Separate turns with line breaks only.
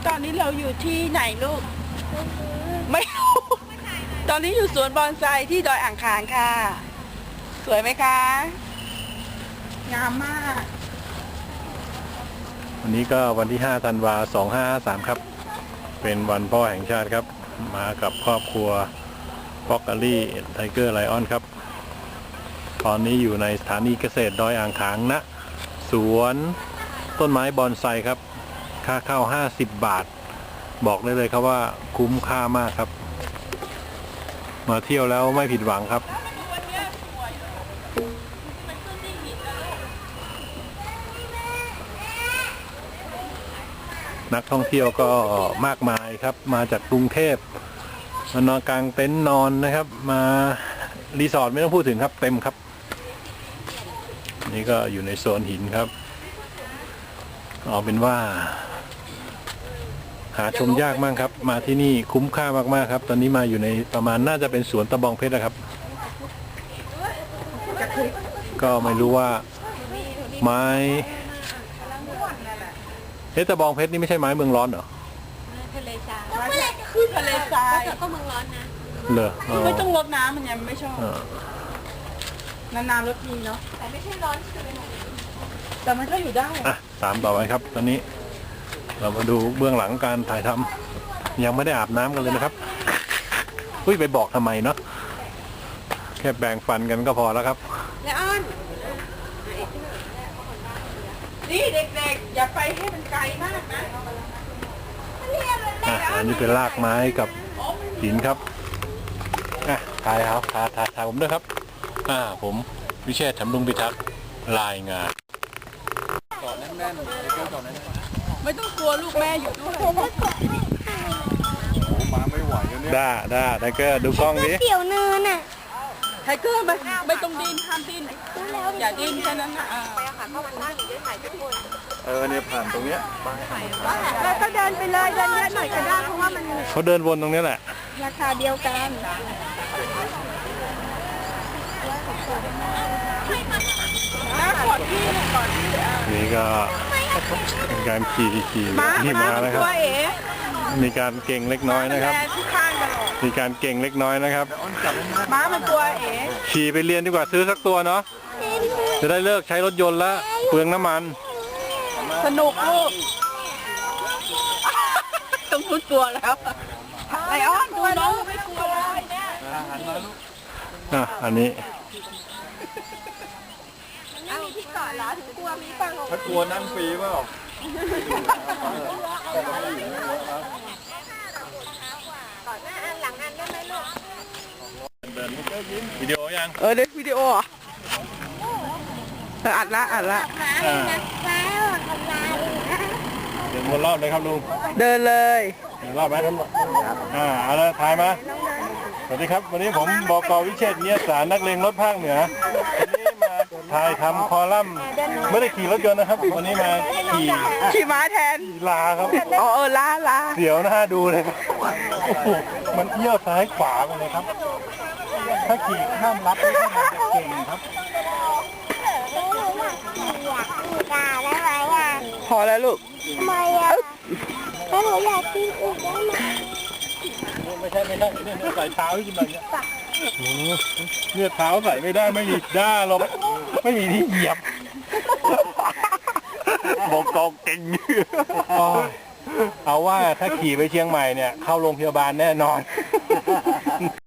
ตอนนี้เราอยู่ที่ไหนลูกไม่รู้ตอนนี้อยู่สวนบอนไซที่ดอยอ่างขางค่ะสวยไหมคะงามมาก
วันนี้ก็วันที่5 ธันวาคม 2553 ครับเป็นวันพ่อแห่งชาติครับมากับครอบครัวพ็อกเกอรี่ไทเกอร์ไลออนครับตอนนี้อยู่ในสถานีเกษตรดอยอ่างขางณสวนต้นไม้บอนไซครับค่าเข้า50 บาทบอกได้เลยครับว่าคุ้มค่ามากครับมาเที่ยวแล้วไม่ผิดหวังครับนักท่องเที่ยวก็มากมายครับมาจากกรุงเทพมานอนกลางเต็นท์นอนนะครับมารีสอร์ทไม่ต้องพูดถึงครับเต็มครับนี่ก็อยู่ในโซนหินครับเอาเป็นว่าหาชมยากมากครับมาที่นี่คุ้มค่ามากๆครับตอนนี้มาอยู่ในประมาณน่าจะเป็นสวนตะบองเพชรนะครับก็ไม่รู้ว่าไม้ตะบองเพชรนี่ไม่ใช่ไม้เมืองร้อนเหรอ
ทะเลทราย
คือทะเลทราย
ก็เมืองร้อนนะ
เหรอ
ไม่ต้องรดน้ำมันยังไม่ชอบนานๆรดทีเนาะ
แต่ไม่ใช่ร้อนใช่ไหม
แต่มันก็อยู่ได้
ตามต่อไปครับตอนนี้เรามาดูเบื้องหลังการถ่ายทำยังไม่ได้อาบน้ำกันเลยนะครับไปบอกทำไมเนาะแค่แบ่งฟันกันก็พอแล้วครับ
แล้วอ้อน
นี่เด็กๆอย่าไปให้มันไกลมากนะ
อันนี้เป็นรากไม้กับหินครับถ่ายครับถ่ายผมด้วยครับผมวิเชษฐ์ ถำรุงพิทักษ์รายงาน
กอดแน่นๆไม่ต้องกลัวลูกแม่อยู่ด้วย
มาไม่ไหวแล้วเนี่ยได้ไทเกอร์ดูกล้องนี้
เตี๋ยวเนินอ่ะ
ไทเกอร์ไม่ต้องดิ้นห้ามดิ้นอย่าดิ้นแค่นั้นนะ
ไปค่ะเข้ามาตั้งอยู่ด้วยถ่ายทุกคน
เนี่ยผ่านตรงเนี้ย
แล้วก็เดินไปเลยเดินเยอะหน่อยก็ได้เพราะว่ามัน
เขาเดินวนตรงนี้แหละ
ราคาเดียวกัน
นี่ก็เป็นการขี่ม้านะครับมีการเก่งเล็กน้อยนะครับมีการเก่งเล็กน้อยนะครับ
ม้ามันตัว
ขี่ไปเรียนดีกว่าซื้อสักตัวเนาะจะได้เลิกใช้รถยนต์แล้วเปลืองน้ำมัน
สนุกลูกต้องพูดตัวแล้วไอออนดูน้องไม่กลัวเลย
เนี่ยอันนี้
ไม่มีที่เกาะเหรอถึงกลัวมีฟัง
ถ้ากลัวนั่งฟรีเปล่า
ก่อนหน้าอันหลังอันได้ไหมลูก
วิดีโอยัง
เด็กวิดีโออัดละ
เดินวนรอบเลยครับลุง
เดินเลย
รอบไหมเอาละถ่ายมาสวัสดีครับวันนี้ผมบก.วิเชษฐ์ เนียสารนักเลงรถภาคเหนือวันนี้มาถ่ายทำคอลัมน์ไม่ได้ขี่รถยนต์นะครับวันนี้มา
ขี่ม้าแทน
ลาครับ
ลา
เสียวหน้าดูเลยครับมันเอี้ยวซ้ายขวาไปเลยครับถ้าขี่ข้ามรับไม่ได้เก่งครับ
พอแล้วลูก
ทำไมถ้าหนูอยากกินอีกได้ไหม
ไม่ใช่ใส่เท้าให้กินแบบนี้เนี่ยเท้าใส่ไม่ได้ไม่มีด้าหรอกไม่มีที่เหยียบบอกกองเก่งเอาว่าถ้าขี่ไปเชียงใหม่เนี่ยเข้าโรงพยาบาลแน่นอน